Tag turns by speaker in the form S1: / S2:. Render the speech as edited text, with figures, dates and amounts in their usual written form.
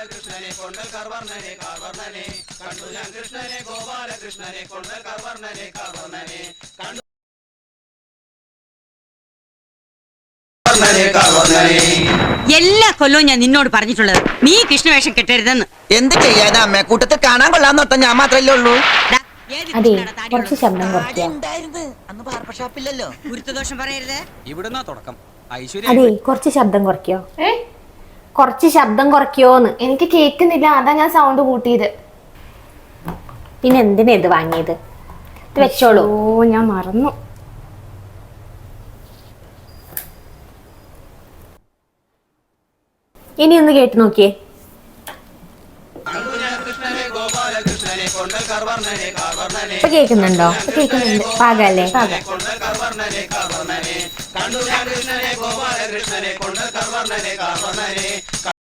S1: ഗോപാലകൃഷ്ണനെ കൊണ്ടൽ കർവർണനെ കാർവർണനെ കണ്ടു ഞാൻ കൃഷ്ണനെ ഗോപാലകൃഷ്ണനെ കൊണ്ടൽ കർവർണനെ കാർവർണനെ കണ്ടു
S2: എല്ലാ കൊല്ലവും ഞാൻ നിന്നോട് പറഞ്ഞിട്ടുള്ളത് നീ കൃഷ്ണവേഷം കെട്ടരുതെന്ന്.
S3: എന്ത് ചെയ്യാനാ അമ്മ കൂട്ടത്തിൽ കാണാൻ കൊള്ളാന്നോട്ട ഞാൻ മാത്രല്ലേ ഉള്ളൂ.
S2: ഡാ, ഏത്
S4: അതെ
S2: കൃഷ്ണനാടാ താടിയുള്ളത്?
S4: കുറച്ച് ശബ്ദം കുറയ്ക്കുക.
S3: അന്ന് ബാർബർ ഷാപ്പില്ലല്ലോ.
S2: ഗുരുത്വദോഷം പറയരുത്.
S5: ഇവിടുന്നാ തുടക്കം.
S4: അതെ കുറച്ച് ശബ്ദം കുറയ്ക്കോ. കുറച്ച് ശബ്ദം കുറയ്ക്കോന്ന്.
S6: എനിക്ക് കേൾക്കുന്നില്ല, അതാ ഞാൻ സൗണ്ട് കൂട്ടിയത്.
S4: പിന്നെ എന്തിനാ ഇത് വാങ്ങിയത്? ഇത് വെച്ചോളൂ.
S6: ഓ ഞാൻ മറന്നു.
S4: ഇനി ഒന്ന് കേട്ട് നോക്കിയേ. ഇപ്പൊ കേൾക്കുന്നുണ്ടോ?
S6: കേൾക്കുന്നുണ്ട്.
S4: പാകല്ലേ? പാകം.
S1: കണ്ടു ഞാൻ കൃഷ്ണനെ ഗോപാലകൃഷ്ണനെ കൊണ്ടൽ കർവർണനെ കാർവർണനെ